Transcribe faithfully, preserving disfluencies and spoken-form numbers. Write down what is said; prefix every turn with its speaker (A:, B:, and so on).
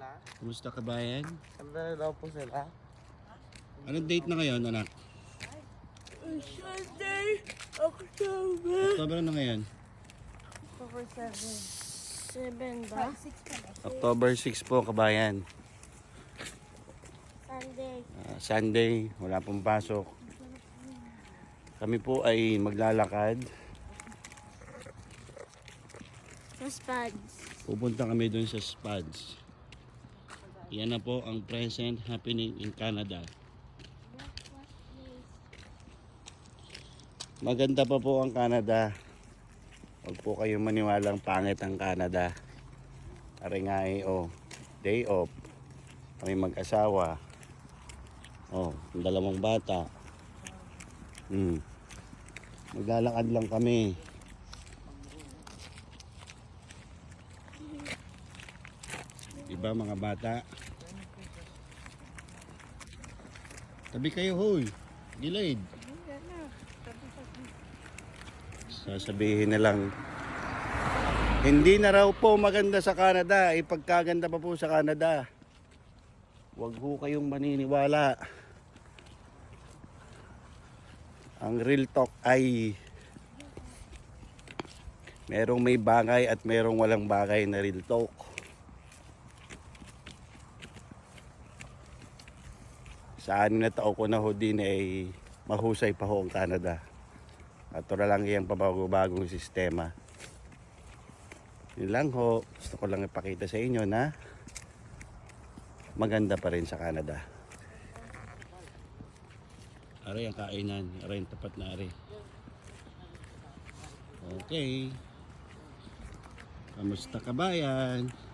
A: Kumusta kabayan?
B: Sandali daw po sila.
A: Anong date na ngayon, anak?
C: Sunday, October.
A: October na ngayon?
C: October seven. seven ba?
A: October six po, kabayan.
C: Sunday.
A: Uh, Sunday, wala pong pasok. Kami po ay maglalakad.
C: Sa Spuds.
A: Pupunta kami dun sa Spuds. Yan na po ang present happening in Canada. Maganda pa po ang Canada. Huwag po kayong maniwalang pangit ang Canada. Ari nga eh, oh, day off. Kami mag-asawa. Oh, ang dalawang bata. Hmm. Maglalakad lang kami. Diba mga bata? Tabi kayo, hoy. Gilid. Sasabihin na lang, hindi na raw po maganda sa Canada. Ipagkaganda pa po sa Canada. Huwag ho kayong maniniwala. Ang real talk ay merong may bagay at merong walang bagay na real talk. Sa anim na tao ko na ho din ay mahusay pa ho ang Canada. At ito lang yung pabago-bagong sistema. Yun lang ho. Gusto ko lang ipakita sa inyo na maganda pa rin sa Canada. Aray ang kainan. Aray ang tapat na aray. Okay. Kamusta kabayan?